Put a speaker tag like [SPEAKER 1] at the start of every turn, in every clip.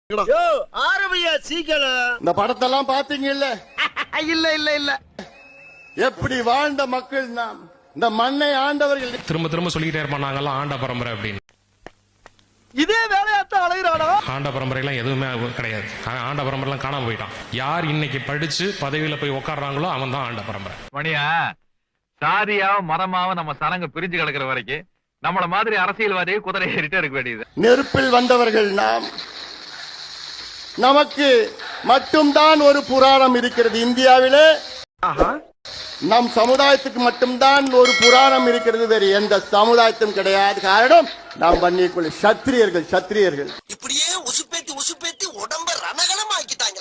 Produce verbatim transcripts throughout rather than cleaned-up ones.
[SPEAKER 1] ஆரம்பியா சீக்கிரம்.
[SPEAKER 2] இந்த படத்தெல்லாம் பாத்தீங்க இல்ல?
[SPEAKER 1] இல்ல இல்ல இல்ல.
[SPEAKER 2] எப்படி வாழ்ந்த மக்கள் நாம், இந்த மண்ணை ஆண்டவர்கள்.
[SPEAKER 3] திரும்ப திரும்ப சொல்லிக்கிட்டே இருப்பான், நாங்கெல்லாம் ஆண்ட பரம்பரை அப்படின்னு.
[SPEAKER 1] இதே வேலையாத்தான் அலைகிறானா?
[SPEAKER 3] ஆண்ட பரம்பரை எல்லாம் எதுவுமே கிடையாது. ஆண்ட பரம்பரை எல்லாம் காணாம போயிட்டான். யார் இன்னைக்கு படிச்சு பதவியில போய் உட்கார்றாங்களோ அவன் தான் ஆண்ட பரம்பரை.
[SPEAKER 4] மணியா சாதியாவும் மரமாவும் நம்ம சனங்க பிரிஞ்சு கிடக்குற வரைக்கும் நம்மள மாதிரி அரசியல்வாதியை குதிரை ஏறிட்டே இருக்க வேண்டியது.
[SPEAKER 2] நெருப்பில் வந்தவர்கள் நாம். நமக்கு மட்டும்தான் ஒரு புராணம் இருக்கிறது இந்தியாவிலே. நம் சமுதாயத்துக்கு மட்டும்தான் ஒரு புராணம் இருக்கிறது, வேறு எந்த சமுதாயத்தும் கிடையாது. காரணம் நாம் பண்ணிக்குள்ள சத்திரியர்கள். சத்திரியர்கள்
[SPEAKER 1] இப்படியே உசுப்பேத்தி உசுப்பேத்தி உடம்ப ரணகலம் ஆக்கிட்டாங்க.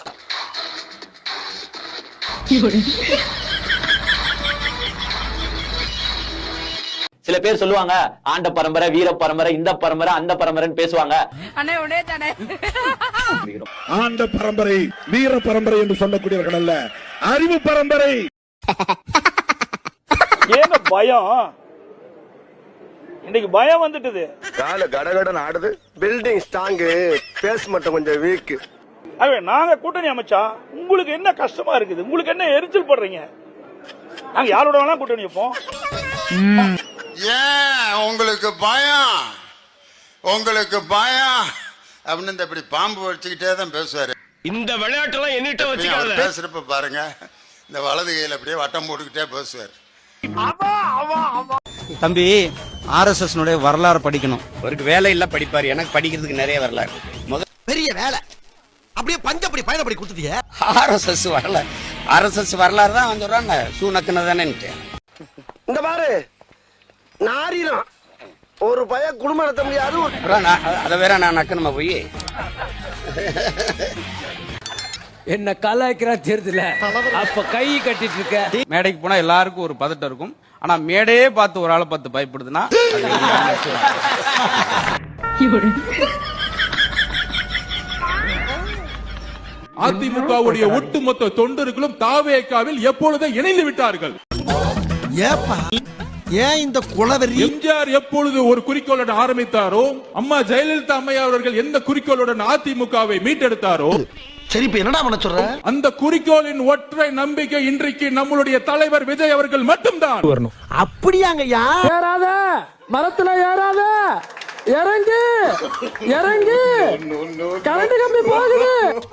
[SPEAKER 5] சில பேர் சொல்லுவாங்க ஆண்ட பரம்பரை, வீர பரம்பரை, இந்த பரம்பரை, அந்த பரம்பரைன்னு பேசுவாங்க.
[SPEAKER 6] ஆண்ட பரம்பரை, வீர பரம்பரை என்று சொல்லக்கூடியவர்கள் அல்ல, அறிவு பரம்பரை.
[SPEAKER 7] ஏங்க பயம்? இன்னைக்கு பயம் வந்துட்டுது.
[SPEAKER 1] கால கடகடன் ஆடுது. பில்டிங் ஸ்ட்ராங், பேஸ் மட்டும் கொஞ்சம் வீக்.
[SPEAKER 7] அவே நாங்க கூட்டணி அமைச்சா உங்களுக்கு என்ன கஷ்டமா இருக்குது? உங்களுக்கு என்ன எரிச்சல் படுறீங்க? நாங்க யாரோட வேணா கூட்டணி வைப்போம்.
[SPEAKER 2] ஏன் உங்களுக்கு பயம்? உங்களுக்கு பயம் அப்படின்னு இந்த இப்படி பாம்பு வச்சுக்கிட்டே தான் பேசுவாரு.
[SPEAKER 1] இந்த விளையாட்டெல்லாம் என்னிட்ட வச்சுக்காத.
[SPEAKER 2] பேசுறப்ப பாருங்க, இந்த வலது கையில அப்படியே வட்டம் போட்டுக்கிட்டே பேசுவார்.
[SPEAKER 8] தம்பி, ஆர் எஸ் எஸ் வரலாறு படிக்கணும்.
[SPEAKER 1] அவருக்கு வேலை இல்ல, படிப்பாரு. எனக்கு படிக்கிறதுக்கு நிறைய வரலாறு. பெரிய வேலை அப்படியே பஞ்சப்படி பயணப்படி கொடுத்துட்டீங்க.
[SPEAKER 8] ஆர் எஸ் எஸ் வரல, ஆர் எஸ் எஸ் வரலாறு தான் வந்து சொல்றாங்க. சூனக்குன்னு தானே
[SPEAKER 1] இந்த பாரு, நாரினம் ஒரு பய குடும்பம் நடத்த முடியாது.
[SPEAKER 8] அதை வேற நான் நக்கணுமா போய்
[SPEAKER 9] என்ன கலாய்க்கிறா தெரியுதுல? அப்ப கை கட்டிட்டு இருக்க.
[SPEAKER 8] மேடைக்கு போனா எல்லாருக்கும் ஒரு பதட்டம் இருக்கும். ஆனா மேடையே பார்த்து ஒரு ஆளை பார்த்து பயப்படுதுன்னா
[SPEAKER 6] அதிமுகவுடைய ஒட்டுமொத்த தொண்டர்களும் தாவேகாவில் எப்பொழுதும் இணைந்து விட்டார்கள்.
[SPEAKER 1] ஏப்பா ஏன் இந்த குலவெறி?
[SPEAKER 6] எம்ஜிஆர் எப்பொழுது ஒரு குறிக்கோளுடன் ஆரம்பித்தாரோ, அம்மா ஜெயலலிதா அம்மையார் அவர்கள் எந்த குறிக்கோளுடன் அதிமுகவை மீட்டெடுத்தாரோ,
[SPEAKER 1] சரி இப்ப என்னடா பண்ண சொல்ற?
[SPEAKER 6] அந்த குறிக்கோளின் ஒற்றை நம்பிக்கை இன்றைக்கு நம்மளுடைய தலைவர் விஜய் அவர்கள் மட்டும்தான்.
[SPEAKER 1] அப்படியாங்கய்யா?
[SPEAKER 9] ஏறாத மரத்துல, ஏறாத, இறங்கு இறங்கு, கரண்ட் கம்பி போகுது.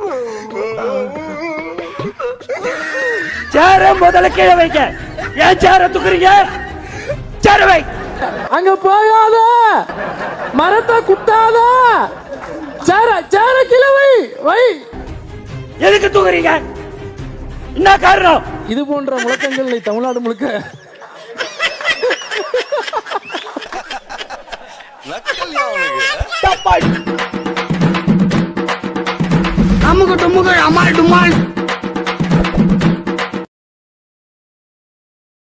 [SPEAKER 9] சேர முதல்ல கீழே வைக்க. ஏன் சேர தூக்குறீங்க? சேர வை. அங்க போகாத, மரத்தை குத்தாத, சேர சேர கீழே வை வை. எதுக்கு தூக்குறீங்க? என்ன காரணம்? இது போன்ற முழக்கங்களை தமிழ்நாடு முழுக்க
[SPEAKER 1] அமுக டுமுக அமால் டுமால்.